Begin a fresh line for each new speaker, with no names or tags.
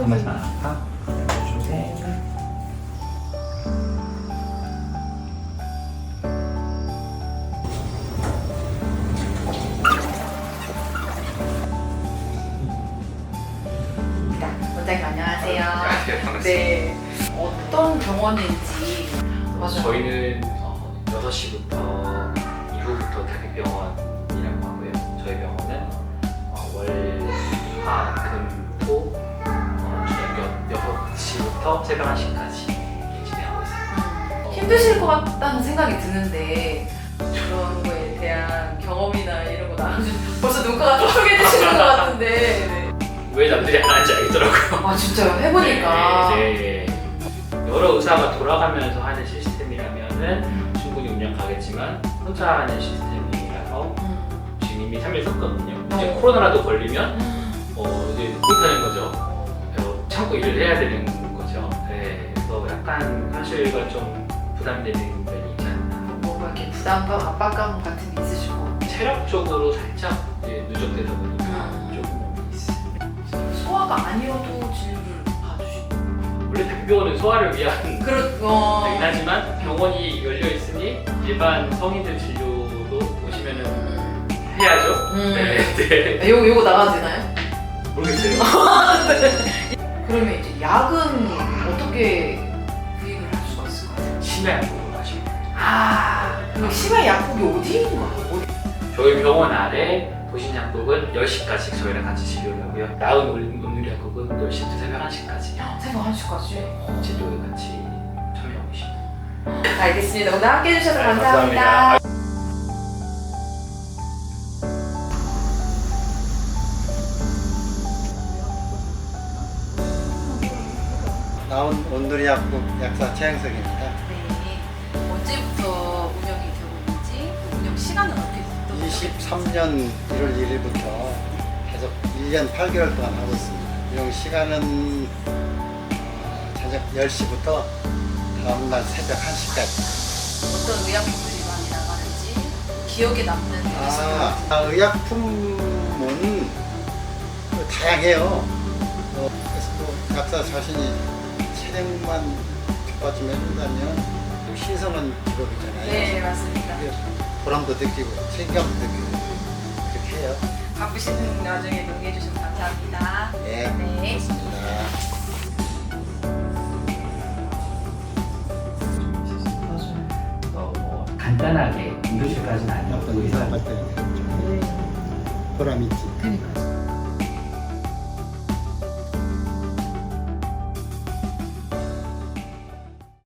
한 번만 아파. 셋.
원장님 안녕하세요.
안녕하세요. 반갑습니다.
네. 어떤 병원인지. 맞아요.
저희는 6시부터 이후부터 대학병원이라고 하고요. 저희 병원은 월, 화, 금, 토 저녁 6시부터 새벽 1시까지 진행하고 있습니다.
힘드실 것 같다는 생각이 드는데 그런 거에 대한 경험이나 이런 거 나눠주면 벌써 눈가가 촉촉해지시는 것 같은데. 네.
왜 남들이 안 하는지 알겠더라고요.
아 진짜요? 해보니까.
네. 여러 의사가 돌아가면서 하는 시스템이라면은 충분히 운영 가겠지만 혼자 하는 시스템이라서 지금 이미 3일 썼거든요. 이제 코로나라도 걸리면 이제 못하는 거죠. 참고 일을 해야 되는 거죠. 네. 그래서 약간 사실과 좀 부담되는 면이 있지 않나.
뭔가 이렇게 부담감, 압박감 같은 게 있으실 것 같아요.
체력적으로 살짝 이제 누적되다 보니까 조금 있어요.
소화가 아니어도 진료를 봐주시고.
원래 대학병원은 소화를 위한
그렇.
되긴 하지만 병원이 열려 있으니 일반 성인들 진료도 오시면은 해야죠. 네.
요거 나가도 되나요?
모르겠어요.
그러면 이제 약은 어떻게 구입을 할 수가 있을까요?
심야 약국을 하시면
그럼 심야 약국이 어디 있는 거예요?
저희 병원 아래 도심약국은 10시까지 저희랑 같이 진료를 하고요. 나은 온누리약국은 10시부터 새벽 1시까지
새벽 1시까지.
진료에 같이 참여하고 계십니다.
알겠습니다. 오늘 함께 해주셔서
네,
감사합니다.
감사합니다.
나온 온누리 약국 약사 최영석입니다.
네. 언제부터 운영이 되고 있는지 운영 시간은 어떻게 되죠?
23년 1월 1일부터 계속 1년 8개월 동안 하고 있습니다. 운영 시간은 저녁 10시부터 다음날 새벽 1시까지.
어떤 의약품들이 많이 나가는지 기억에 남는 게 있을 것 같아요.
의약품은 다양해요. 그래서 또 약사 자신이 체력만 뒷받침 해준다면 신성한 직업이잖아요.
네, 맞습니다.
보람도 느끼고 책임감도 느끼고 그렇게 해요.
바쁘신 와중에 논의해 주셔서 감사합니다.
예,
네.
고맙습니다.
뭐 간단하게 응급실까지는 아니었던 의사.
보람 있지.
그러니까요.